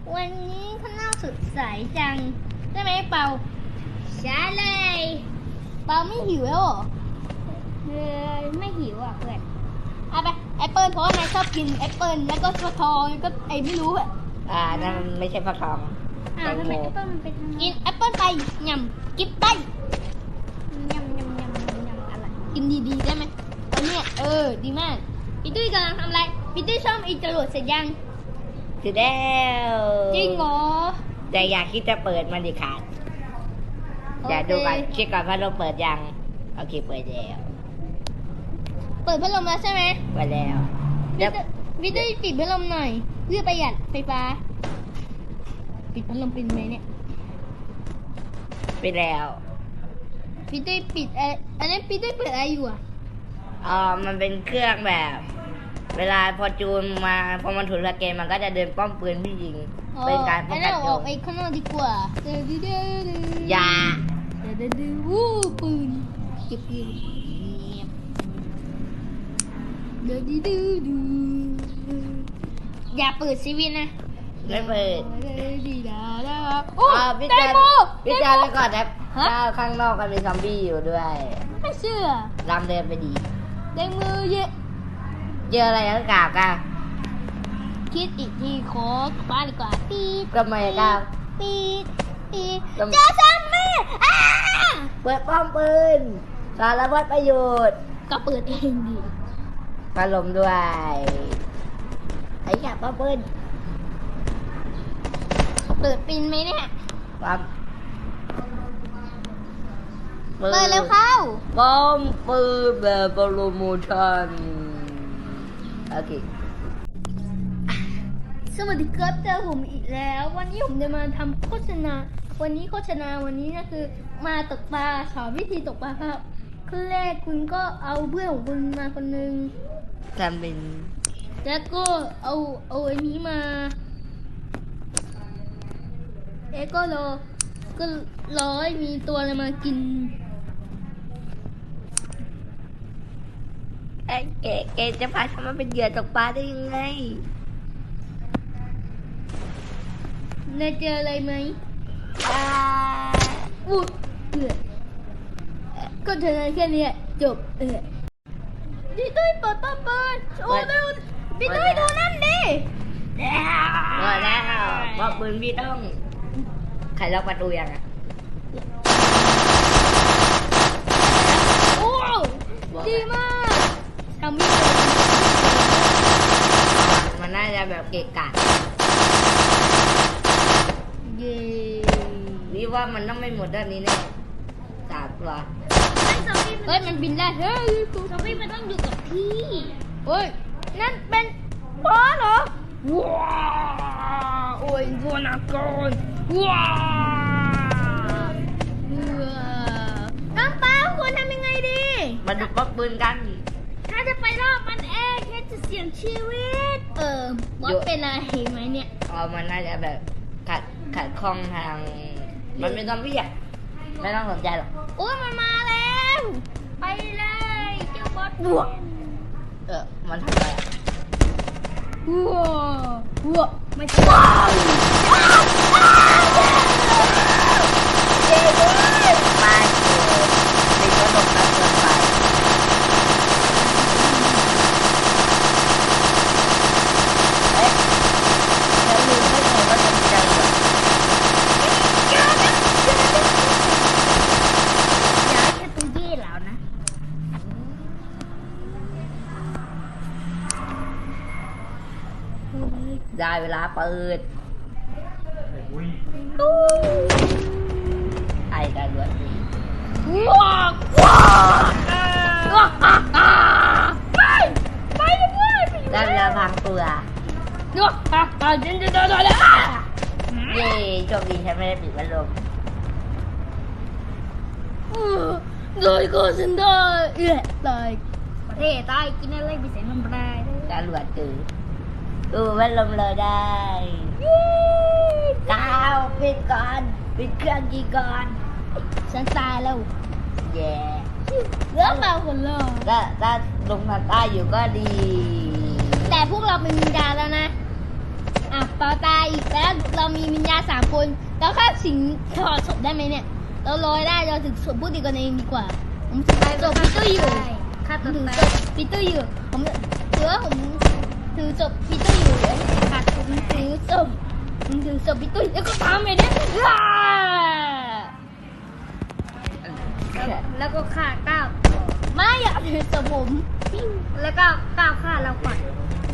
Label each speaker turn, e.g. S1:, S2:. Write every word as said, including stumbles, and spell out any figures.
S1: วันนี้ข้างนอกสดใสจังใช่ไหมเปาใช่เลยเปาไม่หิวแล้วเหรอเออไม่หิวอ่ะเพื่อนเอาไปแอปเปิลเพราะว่านายชอบกินแอปเปิลแล้วก็ฟักทองแล้วก็ไอ้ไม่รู้อ่ะ
S2: อ่านั่นมันไม่ใช่ฟักทอง
S1: อ่าทำไมแอปเปิลมันเป็นกินแอปเปิลไปยำกินไปยำยำยำยำอะไรกินดีๆได้ไหมตอนเนี้ยเออดีมากพี่ตุ้ยกำลังทำอะไรพี่ตุ้ยซ่อมอีจรวดเสร็จยัง
S2: เสร็จแล้ว
S1: จริงเหรอ
S2: แต่อยากคิดจะเปิดมันดิขาดอย่าดูก่อนเช็คก่อนว่าเราเปิดยังโอเคเปิดแล้ว
S1: เปิดพัดลมแล้วใช่ไหม
S2: เปิดแล้ว
S1: พี่ตุ้ยปิดพัดลมหน่อยเพื่อประหยัดไฟฟ้าปิดพัดลมเป็นไหมเนี่ย
S2: ปิดแล้ว
S1: พี่ตุ้ยปิดเอออันนั้นพี่ตุ้ยเปิดอะไรอยู่อ่ะ
S2: อ๋อมันเป็นเครื่องแบบเวลาพอจูนมาพอมันถูกสแกนมันก็จะเดินป้อมปืนพี่ยิงเป็นการป้องกันโจร
S1: ไอ้ข้างนอกดีกว่าเดือดเดือด
S2: ยา
S1: เดือดเดือดวู้ปืนเก็บปืนเดือดดื้อดื้ออย่าเปิดซีวีนะ
S2: ไม่เปิด
S1: ดีดาดาโอ้
S2: พี่จาพี่จาไปก่อนนะข้างนอกมันมีซอมบี้อยู่ด้วย
S1: ไม่เชื่อ
S2: รำเดินไปดี
S1: เด้งมือเยอะ
S2: เจออะไรก็กล่าวกัน
S1: คิดอีกทีขอคว้าดีกว่าปี๊ด
S2: ก็ไม่กล่าว
S1: ปี๊ดปี๊ดเจ้าซัมมี่
S2: เปิดป้อมปืนสารพัดประโยชน์
S1: ก็เปิดเองดิ
S2: พัดลมด้วยไอ้แก่ป้อมปืน
S1: เปิดปินไหมเนี่ย
S2: ปั๊ม
S1: เปิดแล้วเข้า
S2: ป้อมปืนแบบโปรโมชั่นโอเค
S1: สวัสดีครับเจอผมอีกแล้ววันนี้ผมจะมาทำโฆษณาวันนี้โฆษณาวันนี้ก็คือมาตกปลาสอนวิธีตกปลาครับขั้นแรกคุณก็เอาเพื่อนของคุณมาคนนึง
S2: ทำเป็น
S1: แล้วก็เอาเอาอันนี้มาเอ๊ะก็รอก็รอให้มีตัวอะไรมากิน
S2: ไอ้เก๋เก๋จะพาฉันมาเป็นเหยื่อตกปลาได้ยังไง
S1: นายเจออะไรไหม
S2: อ่า
S1: อู้เออก็เจอแค่นี้จบเออพี่ตุ้ยเปิดป้าเปิดโอ้เร็วพี่ตุ้ยดูนั่นดิ
S2: หมดแล้วบอกปืนพี่ต้องใครล็อกประตูยังอ่ะ
S1: โอ้ดีมากทำไม่เป็น
S2: มันน่าจะแบบเกะกะ
S1: เย้
S2: นี่ว่ามันต้องไม่หมดด้านนี้แน่สามตัว
S1: เฮ้ยมันบินได้เฮ้ยซอมบี้มันต้องอยู่กับพี่เฮ้ยนั่นเป็นบอสเหรอว้าโอ้ยวัวนักกอนว้าน้องป้าควรทำยังไงดี
S2: มาดูป๊อปปืนกัน
S1: ถ้าจะไปรอบมันเองแค่จะเสี่ยงชีวิตเออบอสเป็นอะไรไหมเนี่ย
S2: อ๋อมันน่าจะแบบขัดขัดข้องทางมันเป็นซอมบี้อ่ะไม่ต้องสนใจหรอก
S1: โอ้ยมันมาแล้วไปเลยเจ้าบอสบวก
S2: เออมันทำอะไรอ่ะ
S1: ว้าวว้าวไม่ใช่ว้าว
S2: เย้เลยมาเด็กก็หลบกันเกินไปเอ๊ะแล้วลืมได้ไงว่าจะมีจังหวะ
S1: ย้ายแค่ตัวเย่แล้วนะ
S2: ได้เวลาเปิดไอ้การรวดดี
S1: ว้าวว้าวไปไปเลย
S2: ได้เวลาพังตัว
S1: ดูฮ่าฮ่าเดินเดินเดินเลย
S2: เย้โชคดีฉันไม่ได้ปิดพัดลม
S1: เลยก็ฉันได้เอ๊ะตายประเทศตายกินอะไรไปเสียน้ำลาย
S2: การรวดตื่นดูพัดลมเลยได้ก้าวปิดก่อนปิดเครื่องกี่ก่อน
S1: ฉันตายแล้ว
S2: แย่
S1: เลือกเราคนละ
S2: ถ้าถ้าลงทางใต้อยู่ก็ดี
S1: แต่พวกเราเป็นวิญญาณแล้วนะอ่ะต่อตายอีกแล้วเรามีวิญญาณสามคนแล้วฆ่าสิงถอดศพได้ไหมเนี่ย เราลอยได้เราถึงศพพูดดีกันเองดีกว่า ผมถือศพพีเตอร์อยู่
S3: ฆ่า
S1: ผม
S3: ตัว
S1: ถือ
S3: ตา
S1: ศ
S3: ย
S1: พพีเตอร์อยู่ผมถือว่าผมถือศพพีเตอร์อยู่ขาดผมถือศพผมถือศพพีเตอร์แล้วก็ตามไปเนี่ยว้า
S3: แล้วก็ฆ่าก้าว
S1: ไม่อยากถือศพผม
S3: แล้วก็ก้าวฆ่าเราก่อน